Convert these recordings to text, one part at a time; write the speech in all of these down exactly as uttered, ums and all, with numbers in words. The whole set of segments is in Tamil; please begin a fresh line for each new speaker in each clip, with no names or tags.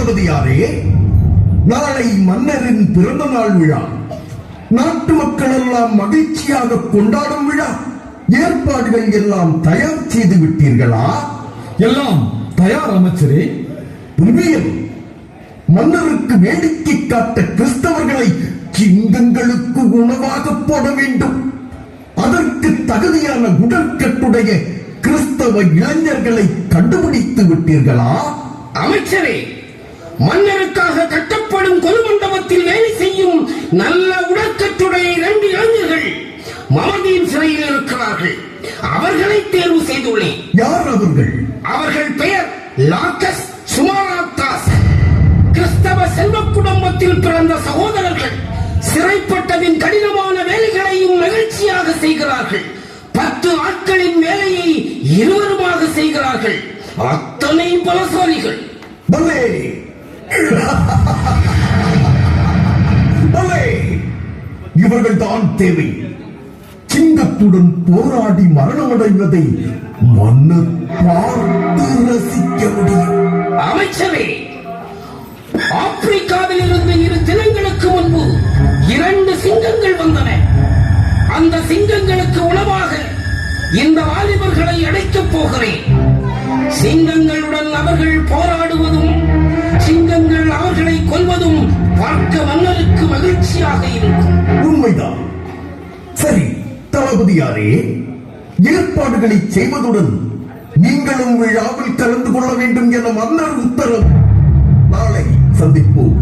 தளபதியாரே, நாளை மன்னரின் பிறந்த நாள் விழா. நாட்டு மக்கள் எல்லாம் மகிழ்ச்சியாக கொண்டாடும் விழா. ஏற்பாடுகள் எல்லாம் தயார் செய்து விட்டீர்களா?
எல்லாம் தயார் அமைச்சரே.
புல்வியல், மன்னருக்கு வேடிக்கை காட்ட கிறிஸ்தவர்களை சிங்கங்களுக்கு உணவாக போட வேண்டும். அதற்கு தகுதியான உடற்கட்டுடைய கிறிஸ்தவ இளைஞர்களை கண்டுபிடித்து விட்டீர்களா?
அமைச்சரே, மன்னருக்காக கட்டப்படும் கொலுமண்டபத்தில் வேலை செய்யும் நல்ல உடற்கட்டுடைய இரண்டு இளைஞர்கள் மமதியின் சிறையில் இருக்கிறார்கள். அவர்களை தேர்வு செய்துள்ளேன்.
யார் அவர்கள்?
அவர்கள் பெயர் லாக்கஸ், சுமாராத்தாஸ். கிறிஸ்தவ செல்வ குடும்பத்தில் பிறந்த சகோதரர்கள். சிறைப்பட்டதின் கடினமான வேலைகளையும் மகிழ்ச்சியாக செய்கிறார்கள். பத்து ஆட்களின் வேலையை இருவருமாக செய்கிறார்கள். அத்தனை பலசாலிகள்.
பலே பலே, இவர்கள் தான் தேவை. சிங்கத்துடன் போராடி மரணமடைவதை மன்னர் பார்த்து ரசிக்க முடியும்.
அமைச்சரே, ஆப்பிரிக்காவில் இருந்து இரு தினங்களுக்கு முன்பு இரண்டு சிங்கங்கள் வந்தன. அந்த சிங்கங்களுக்கு உணவாக இந்த வாலிபர்களை அடைக்கப் போகிறேன். சிங்கங்களுடன் அவர்கள் போராடுவதும் சிங்கங்கள் அவர்களை கொல்வதும் பார்க்க மன்னருக்கு மகிழ்ச்சியாக இருக்கும்.
உண்மைதான். சரி தளபதியாரே, ஏற்பாடுகளை செய்வதுடன் நீங்களும் விழாவில் கலந்து கொள்ள வேண்டும் என மன்னர் உத்தரவு. நாளை சந்திப்போம்.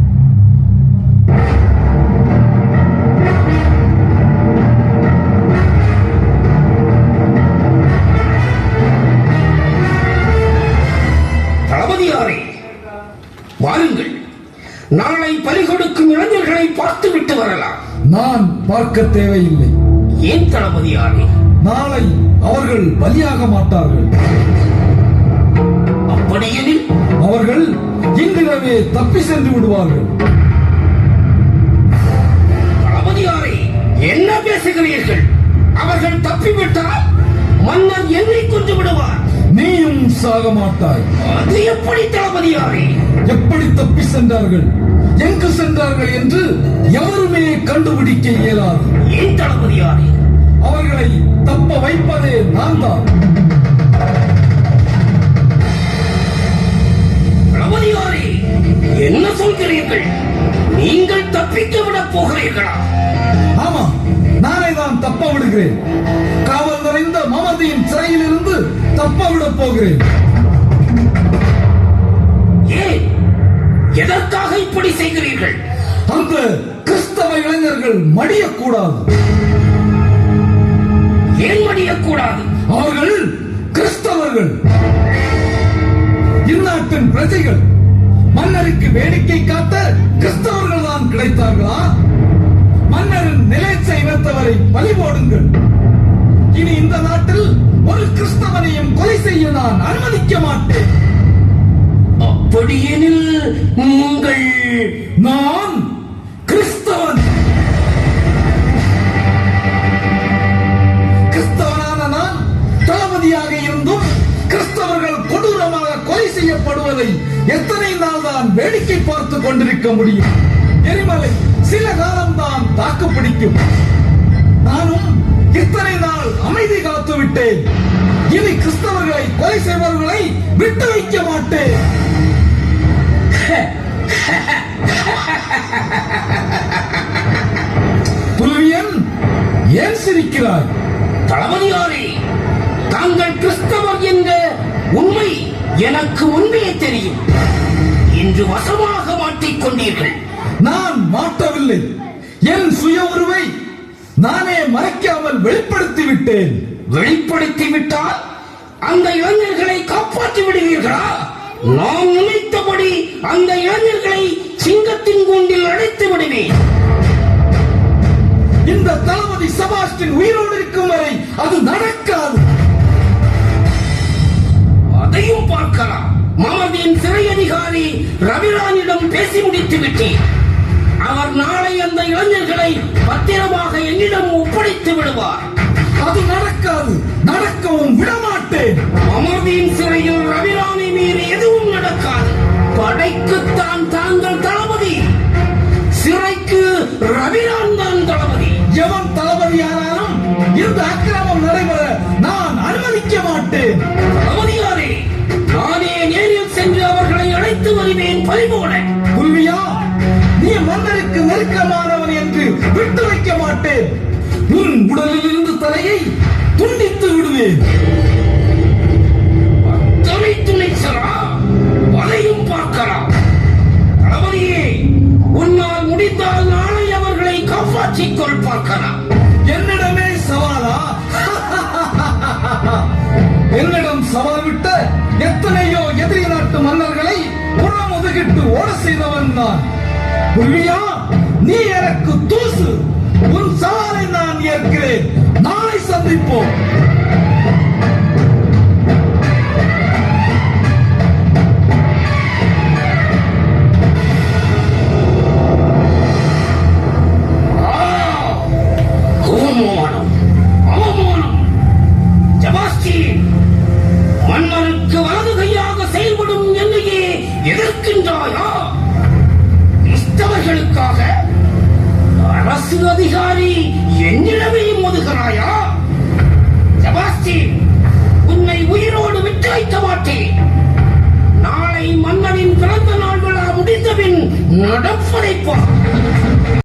தளபதியாரே, வாருங்கள். நாளை பலி கொடுக்கும் இளைஞர்களை பார்த்துவிட்டு வரலாம்.
நான் பார்க்க தேவையில்லை.
ஏன் தளபதியாரே?
நாளை அவர்கள் பலியாக மாட்டார்கள்.
அப்படியெனில்
அவர்கள் இன்றிரவே தப்பி சென்று விடுவார்கள்.
தளபதியாரே, என்ன பேசுகிறீர்கள்? அவர்கள் தப்பிவிட்டால் மன்னர் என்னை கொண்டு விடுவார்.
நீயும் சாக மாட்டாய்.
அது எப்படி தளபதியாரே?
எப்படி தப்பி சென்றார்கள், எங்கு சென்றார்கள் என்று எவருமே கண்டுபிடிக்க இயலாது.
ஏன் தளபதியாரே?
அவர்களை தப்ப வைப்பதே நான் தான்.
தளபதியாரே, என்ன சொல்கிறீர்கள்? நீங்கள் தப்பிக்க விடப் போகிறீர்களா?
ஆமா, நானே தான் தப்ப விடுகிறேன். காவல் நிறைந்த மமதியின் சிறையில் இருந்து தப்ப விடப் போகிறேன்.
ஏன்? எதற்காக இப்படி செய்கிறீர்கள்?
அந்த கிறிஸ்தவ இளைஞர்கள் மடியக்கூடாது.
ஏன் மடியக்கூடாது?
அவர்கள் கிறிஸ்தவர்கள், இந்நாட்டின் பிரஜைகள். மன்னருக்கு வேடிக்கை காட்ட கிறிஸ்தவர்கள் தான் கிடைத்தார்களா? மன்னரின் நிலைச்ச இனத்தவரை பலி போடுங்கள். இனி இந்த நாட்டில் ஒரு கிறிஸ்தவனையும் கொலை செய்ய நான் அனுமதிக்க மாட்டேன்.
அப்படியெனில் நீங்கள்...
நான் கிறிஸ்தவன். கிறிஸ்தவனான நான் தளபதியாக இருந்தும் கிறிஸ்தவர்கள் கொடூரமாக கொலை செய்யப்படுவதை எத்தனை நாள் தான் வேடிக்கை பார்த்து கொண்டிருக்க முடியும்? எரிமலை சில காலம்தான் தாக்கு பிடிக்கும். நானும் இத்தனை நாள் அமைதி காத்து விட்டேன். இனி கிறிஸ்தவர்களை கொலை செய்பவர்களை விட்டு வைக்க மாட்டேன். புல்வியன், ஏன் சிரிக்கிறாய்?
தளபதியாரே, தாங்கள் கிறிஸ்தவர் என்ற உண்மை எனக்கு முன்பே தெரியும். இன்று வசமாக மாட்டிக்கொண்டீர்கள்.
நான் மாட்டவில்லை. என் சுய உருவை நானே மறைக்காமல் வெளிப்படுத்தி விட்டேன்.
வெளிப்படுத்தி விட்டால் அந்த இளைஞர்களை காப்பாற்றி விடுவீர்களா? நான் நினைத்தபடி அந்த இளைஞர்களை சிங்கத்தின் கூண்டில் அடைத்து விடுவேன்.
இந்த தளபதி செபாஸ்டியன் உயிரோடு இருக்கும் வரை அது நடக்காது.
அதையும் பார்க்கலாம். மமதியின் சிறை அதிகாரி ரவிரானிடம் பேசி முடித்து விட்டேன். அவர் நாளை அந்த இளைஞர்களை பத்திரமாக என்னிடம் ஒப்படைத்து விடுவார்.
அது நடக்காது. நடக்கவும் விடமாட்டேன்.
மமதியின் சிறையில் ரவிரானை மீறி எதுவும் நடக்காது. படைக்கு ரவிரான் தான் தளபதி.
எவன் தளபதியானாலும் இந்த அக்கிரமம் நடைபெற நான் அனுமதிக்க மாட்டேன்.
தளபதியாரே, நானே நேரில் சென்று அவர்களை அழைத்து வருவேன் பறிபோட.
புல்வியா, நீ மன்னருக்கு நெருக்கமானவன் என்று விட்டு வைக்க மாட்டேன். உன் உடலில் இருந்து தலையை துண்டித்து விடுவேன்.
துணை துணைச்சரா, அதையும் பார்க்கலாம். தளபதியே, உன்னால் முடிந்தால் நாளை அவர்களை காப்பாற்றிக் கொள் பார்க்கலாம்.
என்னிடமே சவாலா? என்னிடம் சவால் விட்ட எத்தனையோ எதிரி நாட்டு மன்னர்களை புறம் ஒதுக்கிட்டு ஓட செய்தவன் நான். புல்வியா, நீ எனக்கு தூசு. உன் சவாலை நான் ஏற்கிறேன். நாளை சந்திப்போம்.
அவமானம், அவமானம். செபாஸ்டியன், மன்னருக்கு வலது கையாக செயல்படும் என்னையே எதிர்க்கின்றாயா? கிறிஸ்தவர்களுக்காக அரசு அதிகாரி என்னிடமே மோதுகிறாயா? செபாஸ்டியன், உன்னை உயிரோடு விட்டு வைக்க மாட்டேன். நாளை மன்னனின் பிறந்த நாள் விழா முடிந்தபின் நடப்பதைப் பார்.